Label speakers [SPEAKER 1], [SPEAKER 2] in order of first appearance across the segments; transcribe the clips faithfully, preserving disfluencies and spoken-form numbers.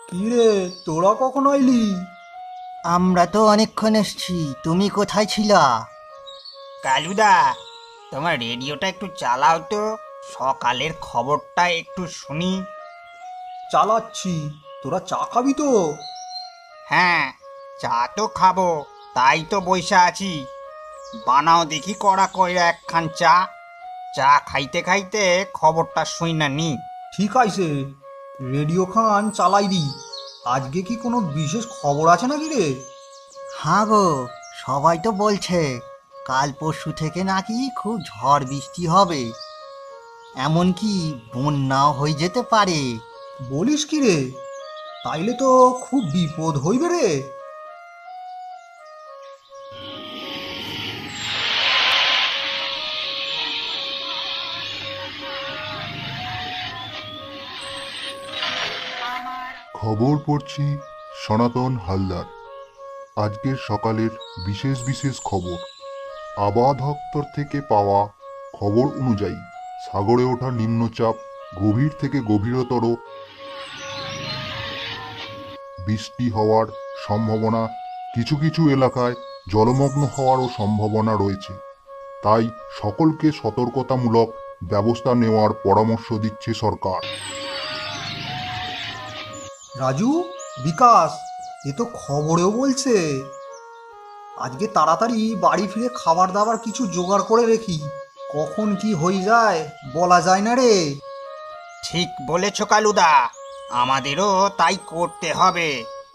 [SPEAKER 1] কিরে, তোরা কখন আইলি?
[SPEAKER 2] আমরা তো অনেকক্ষণ এসছি, তুমি কোথায় ছিলা?
[SPEAKER 3] কালুদা, তোমার রেডিওটা একটু চালাও তো, সকালের খবরটা একটু শুনি।
[SPEAKER 1] চালাচ্ছি। তোরা চা খাবি তো?
[SPEAKER 3] হ্যাঁ, চা তো খাবো, তাই তো বইসা আছি। বানাও দেখি কড়া কইরা একখান চা। চা খাইতে খাইতে খবরটা শুই না নি।
[SPEAKER 1] ঠিক আছে, রেডিও খান চালাই দি। আজকে কি কোনো বিশেষ খবর আছে নাকি রে?
[SPEAKER 2] হ্যাঁ গো, সবাই তো বলছে কাল পরশু থেকে নাকি খুব ঝড় বৃষ্টি হবে, এমনকি বন্যাও হয়ে যেতে পারে।
[SPEAKER 1] বলিস কি রে? তাইলে তো খুব বিপদ হইবে রে।
[SPEAKER 4] খবর পড়ছি সনাতন হালদার। আজকের সকালের বিশেষ বিশেষ খবর। আবহাওয়া দপ্তর থেকে পাওয়া খবর অনুযায়ী সাগরে ওঠা নিম্নচাপ গভীর থেকে গভীরতর বৃষ্টি হওয়ার সম্ভাবনা, কিছু কিছু এলাকায় জলমগ্ন হওয়ারও সম্ভাবনা রয়েছে। তাই সকলকে সতর্কতামূলক ব্যবস্থা নেওয়ার পরামর্শ দিচ্ছে সরকার।
[SPEAKER 1] রাজু, বিকাশ, এ তো খবরেও বলছে। আজকে তাড়াতাড়ি বাড়ি ফিরে খাবার দাবার কিছু জোগাড় করে রেখি। কখন কি হয়ে যায় বলা যায় না রে।
[SPEAKER 3] ঠিক বলেছ কালুদা, আমাদেরও তাই করতে হবে।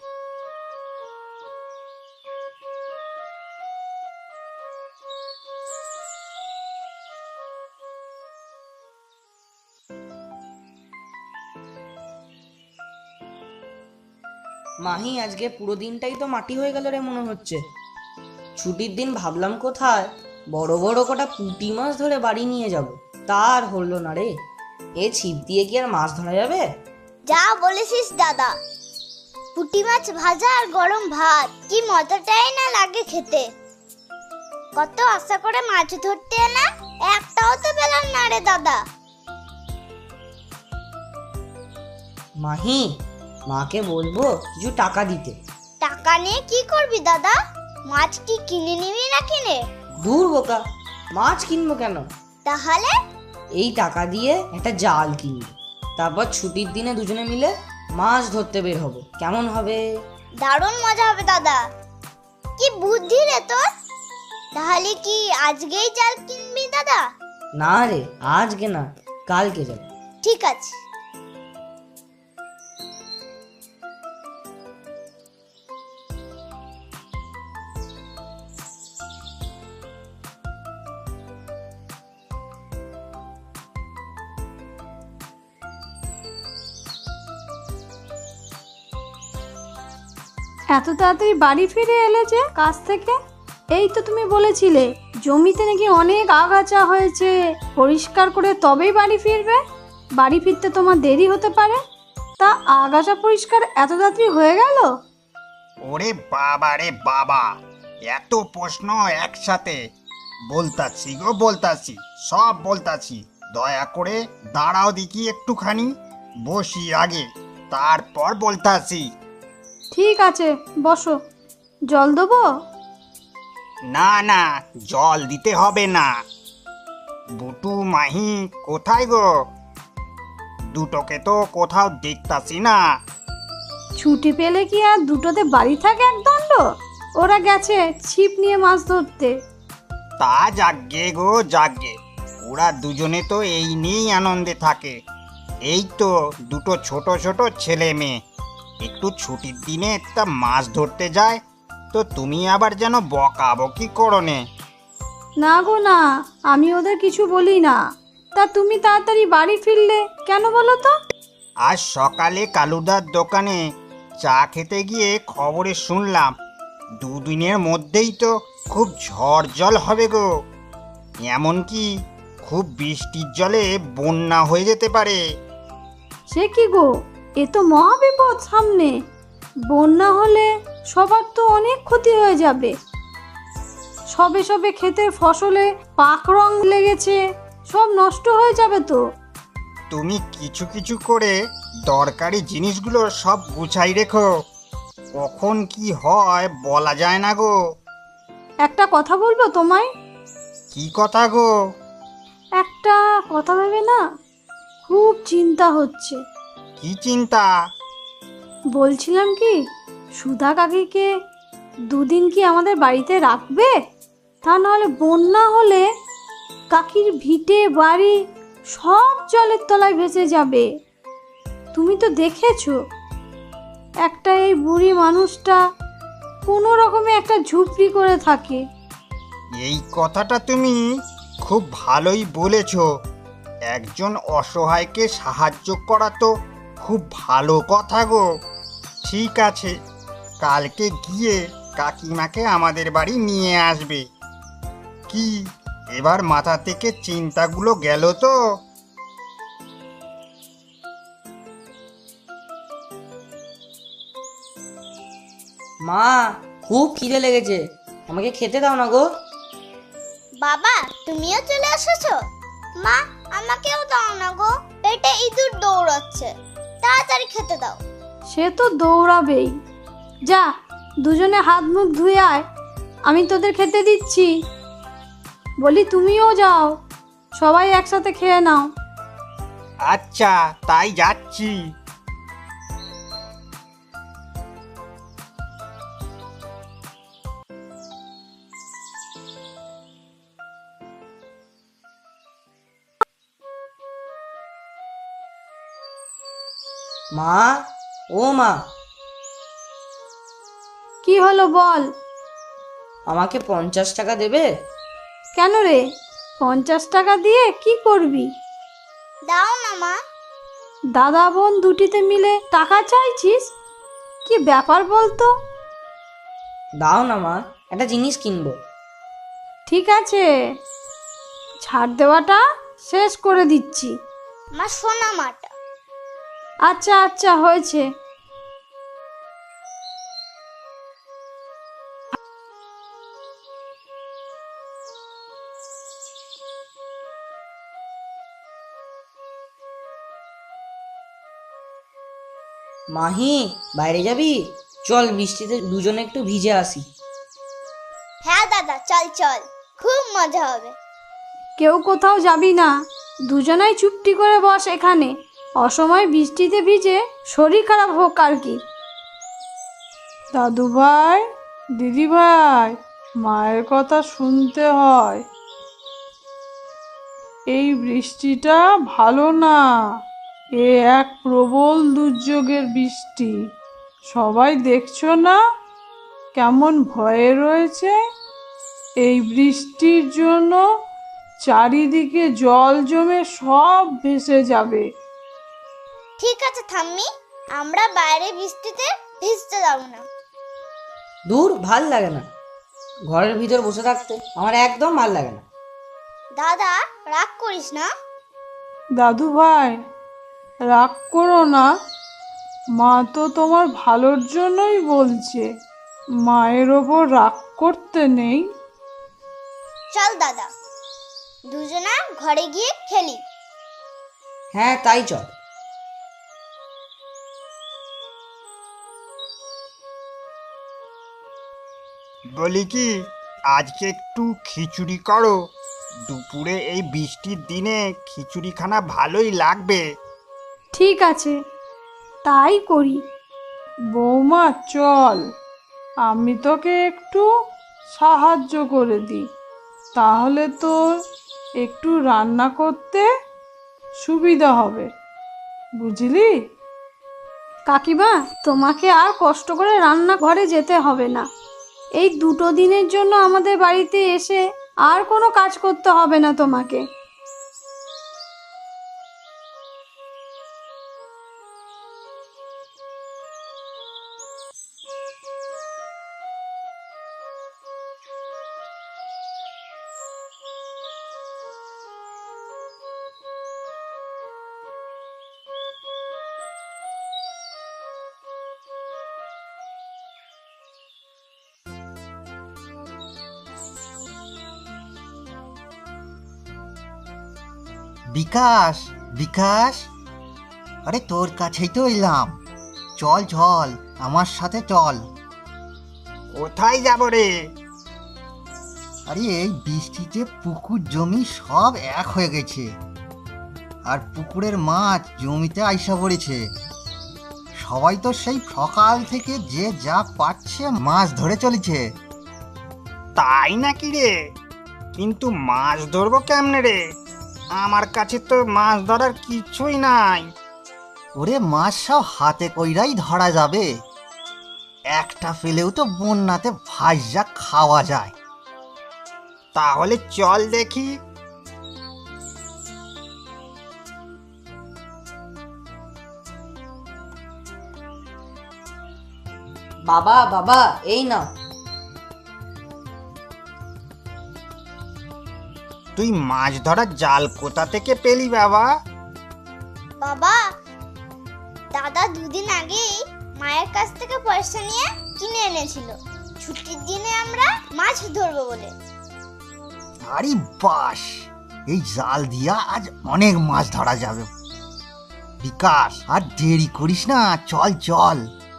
[SPEAKER 5] মাহি, আজকে পুরো দিনটাই তো মাটি হয়ে গেল রে মনে হচ্ছে। ছুটির দিন ভাবলাম কোথায় বড় বড় কটা পুঁটি মাছ ধরে বাড়ি নিয়ে যাব, তার হলো না রে। এ ছিপ দিয়ে কি আর মাছ ধরা যাবে?
[SPEAKER 6] যা বলেছিস দাদা, পুঁটি মাছ ভাজা আর গরম ভাত কি মজাটাই না লাগে খেতে। কত আশা করে মাছ ধরতে এলাম, একটাও তো পেলাম না রে দাদা।
[SPEAKER 5] মাহি, মাকে বলবো কিছু টাকা দিতে।
[SPEAKER 6] টাকা নিয়ে কি করবি দাদা? মাছ কি কিনে নিবি না কিনে?
[SPEAKER 5] দূর বোকা, মাছ কিনবো কেন?
[SPEAKER 6] তাহলে
[SPEAKER 5] এই টাকা দিয়ে একটা জাল কিনবো, তারপর ছুটির দিনে দুজনে মিলে মাছ ধরতে বের হবো। কেমন হবে?
[SPEAKER 6] দারুণ মজা হবে দাদা। কি বুদ্ধি রে তোর! তাহলে কি আজকেই জাল কিনবি দাদা?
[SPEAKER 5] না রে, আজকে না, কালকে যাব।
[SPEAKER 6] ঠিক আছে।
[SPEAKER 7] এত তাড়াতাড়ি বাড়ি ফিরে এলে যে কাজ থেকে? এই তো তুমি বলেছিলে জমিতে নাকি অনেক আগাছা হয়েছে, পরিষ্কার করে তবেই বাড়ি ফিরবে। বাড়ি ফিরতে তোমার দেরি হতে পারে, তা আগাছা পরিষ্কার এত তাড়াতাড়ি হয়ে গেল?
[SPEAKER 3] ওরে বাবা রে বাবা, এত প্রশ্ন একসাথে! বলতাছি গো বলতাছি, সব বলতাছি। দয়া করে দাঁড়াও দেখি একটুখানি, বসি আগে, তারপর বলতাছি।
[SPEAKER 7] ঠিক আছে, বসো। জল দেবো?
[SPEAKER 3] না না, জল দিতে হবে না। বুটু, মাহি কোথায় গো? দুটোকে তো কোথাও দেখতাছি না।
[SPEAKER 7] ছুটি পেলে কি আর দুটোতে বাড়ি থাকে এক দণ্ড? ওরা গেছে ছিপ নিয়ে মাছ ধরতে।
[SPEAKER 3] তা যাগ্গে গো যাগ্গে, ওরা দুজনে তো এই নিয়েই আনন্দে থাকে। এই তো দুটো ছোট ছোট ছেলে মেয়ে একটু ছুটির দিনে তা মাছ ধরতে যায়, তো তুমি আবার যেন বকাবকি করো নে।
[SPEAKER 7] না গো না, আমি ওদের কিছু বলি না। তা তুমি তাড়াতাড়ি বাড়ি ফিরলে কেন বলো তো?
[SPEAKER 3] আজ সকালে কালুদার দোকানে চা খেতে গিয়ে খবরে শুনলাম দুদিনের মধ্যেই তো খুব ঝড় জল হবে গো, এমনকি খুব বৃষ্টির জলে বন্যা হয়ে যেতে পারে।
[SPEAKER 7] সে কি গো, এ তো মহাবিপদ সামনে। বন্যা হলে সবার তো অনেক ক্ষতি হয়ে যাবে। সবে সবে ক্ষেতের ফসলে পাক রং লেগেছে, সব নষ্ট হয়ে যাবে তো।
[SPEAKER 3] তুমি কিছু কিছু করে দরকারি জিনিসগুলো সব গুছাই রেখো, কখন কি হয় বলা যায় না গো।
[SPEAKER 7] একটা কথা বলবো তোমায়?
[SPEAKER 3] কি কথা গো?
[SPEAKER 7] একটা কথা ভেবে না খুব চিন্তা হচ্ছে।
[SPEAKER 3] কি চিন্তা?
[SPEAKER 7] বলছিলাম কি, সুধা কাকিকে দুদিন কি আমাদের বাড়িতে রাখবে? তা নাহলে বন্যা হলে কাকির ভিটে বাড়ি সব জলের তলায় ভেসে যাবে। তুমি তো দেখেছো একটা এই বুড়ি মানুষটা কোনো রকমে একটা ঝুপড়ি করে থাকে।
[SPEAKER 3] এই কথাটা তুমি খুব ভালোই বলেছ। একজন অসহায়কে সাহায্য করা তো খুব ভালো কথা গো। ঠিক আছে, কালকে গিয়ে কাকিমাকে আমাদের বাড়ি নিয়ে আসবে। কি এবার মাথা থেকে চিন্তাগুলো গেল তো?
[SPEAKER 5] মা, খুব খিদে লেগেছে, আমাকে খেতে দাও না গো।
[SPEAKER 6] বাবা তুমিও চলে এসেছো? মা আমাকেও দাও না গো, পেটে ইঁদুর দৌড়াচ্ছে, তাড়াতাড়ি খেতে দাও।
[SPEAKER 7] সে তো দৌড়াবেই। যা, দুজনে হাত মুখ ধুয়ে আয়, আমি তোদের খেতে দিচ্ছি। বলি তুমিও যাও, সবাই একসাথে খেয়ে নাও।
[SPEAKER 3] আচ্ছা, তাই যাচ্ছি।
[SPEAKER 5] মা, ও মা,
[SPEAKER 7] কি হলো বল?
[SPEAKER 5] আমাকে পঞ্চাশ টাকা দেবে?
[SPEAKER 7] কেন রে, পঞ্চাশ টাকা দিয়ে কি করবি?
[SPEAKER 6] দাও না মা।
[SPEAKER 7] দাদা বোন দুটিতে মিলে টাকা চাইছিস? কি ব্যাপার বলতো?
[SPEAKER 5] দাও না মা, একটা জিনিস কিনবো।
[SPEAKER 7] ঠিক আছে, ছাড় দেওয়াটা শেষ করে দিচ্ছি।
[SPEAKER 6] মা সোনা মাটা।
[SPEAKER 7] আচ্ছা আচ্ছা হয়েছে।
[SPEAKER 5] মাহি, বাইরে যাবি? চল, বৃষ্টিতে দুজনে একটু ভিজে আসি।
[SPEAKER 6] হ্যাঁ দাদা, চল চল, খুব মজা হবে।
[SPEAKER 7] কেউ কোথাও যাবি না, দুজনাই চুপটি করে বস এখানে। অসময় বৃষ্টিতে ভিজে শরীর খারাপ হোক আর কি।
[SPEAKER 8] দাদু ভাই, দিদি ভাই, মায়ের কথা শুনতে হয়। এই বৃষ্টিটা ভালো না, এ এক প্রবল দুর্যোগের বৃষ্টি। সবাই দেখছো না কেমন ভয়ে রয়েছে? এই বৃষ্টির জন্য চারিদিকে জল জমে সব ভেসে যাবে।
[SPEAKER 6] ঠিক আছে ঠাম্মি, আমরা বাইরে বৃষ্টিতে ভিজতে যাব না।
[SPEAKER 5] দূর, ভাল লাগে না ঘরের ভিতর বসে থাকতে, আমার একদম ভাল লাগে না।
[SPEAKER 6] দাদা রাগ করিস না।
[SPEAKER 8] দাদু ভাই, রাগ করো না, মা তো তোমার ভালোর জন্যই বলছে। মায়ের ওপর রাগ করতে নেই।
[SPEAKER 6] চল দাদা, দুজনা ঘরে গিয়ে খেলি।
[SPEAKER 5] হ্যাঁ, তাই চল।
[SPEAKER 3] বলি কি, আজকে একটু খিচুড়ি করো। দুপুরে এই বৃষ্টির দিনে খিচুড়িখানা ভালোই লাগবে।
[SPEAKER 7] ঠিক আছে, তাই করি।
[SPEAKER 8] বৌমা চল, আমি তোকে একটু সাহায্য করে দিই, তাহলে তোর একটু রান্না করতে সুবিধা হবে, বুঝলি?
[SPEAKER 7] কাকিমা, তোমাকে আর কষ্ট করে রান্নাঘরে যেতে হবে না। এই দুটো দিনের জন্য আমাদের বাড়িতে এসে আর কোনো কাজ করতে হবে না তোমাকে।
[SPEAKER 2] বিকাশ, বিকাশ, আরে তোর কাছেই তো এলাম। চল চল, আমার সাথে চল।
[SPEAKER 3] কোথায় যাব রে?
[SPEAKER 2] আরে এই বৃষ্টিতে পুকুর জমি সব এক হয়ে গেছে, আর পুকুরের মাছ জমিতে আইসা পড়েছে। সবাই তো সেই সকাল থেকে যে যা পাচ্ছে মাছ ধরে চলেছে।
[SPEAKER 3] তাই নাকি রে? কিন্তু মাছ ধরবো কেমনে রে? আমার কাছে তো মাছ ধরার কিছুই নাই।
[SPEAKER 2] ওরে মাছ সব হাতে কইরাই ধরা যাবে। একটা ফেলেও তো বন্যাতে ভাজা খাওয়া যায়।
[SPEAKER 3] তাহলে চল দেখি।
[SPEAKER 5] বাবা বাবা এই নাও।
[SPEAKER 3] তুই মাছ ধরার জাল কোথা থেকে পেলি বাবা?
[SPEAKER 6] বাবা, দাদা দুদিন আগেই মায়ের কাছ থেকে পয়সা নিয়ে কিনে এনেছিল, ছুটির দিনে আমরা মাছ ধরবো বলে।
[SPEAKER 2] আরে বাস, এই জাল দিয়া আজ অনেক মাছ ধরা যাবে। বিকাশ, আর দেরি করিস না, চল চল।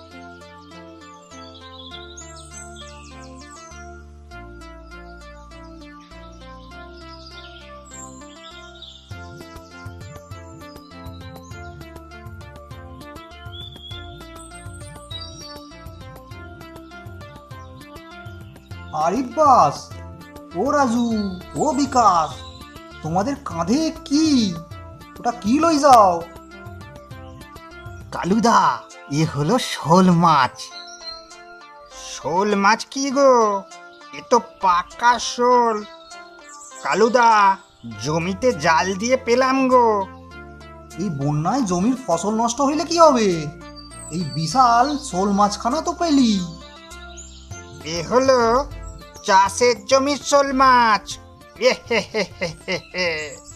[SPEAKER 1] আরিফ বাস, ও রাজু, ও বিকাশ, তোমাদের কাঁধে কি? ওটা কি লই যাও?
[SPEAKER 2] কালুদা, এ হলো শোল মাছ।
[SPEAKER 3] শোল মাছ কি গো? এ তো পাকা শোল। কালুদা, জমিতে জাল দিয়ে পেলাম গো।
[SPEAKER 1] এই বন্যায় জমির ফসল নষ্ট হইলে কি হবে? এই বিশাল শোল মাছখানা তো পেলি।
[SPEAKER 3] এ হলো চাষের জমির শোল মাছ। এ হে হে হে হে হে।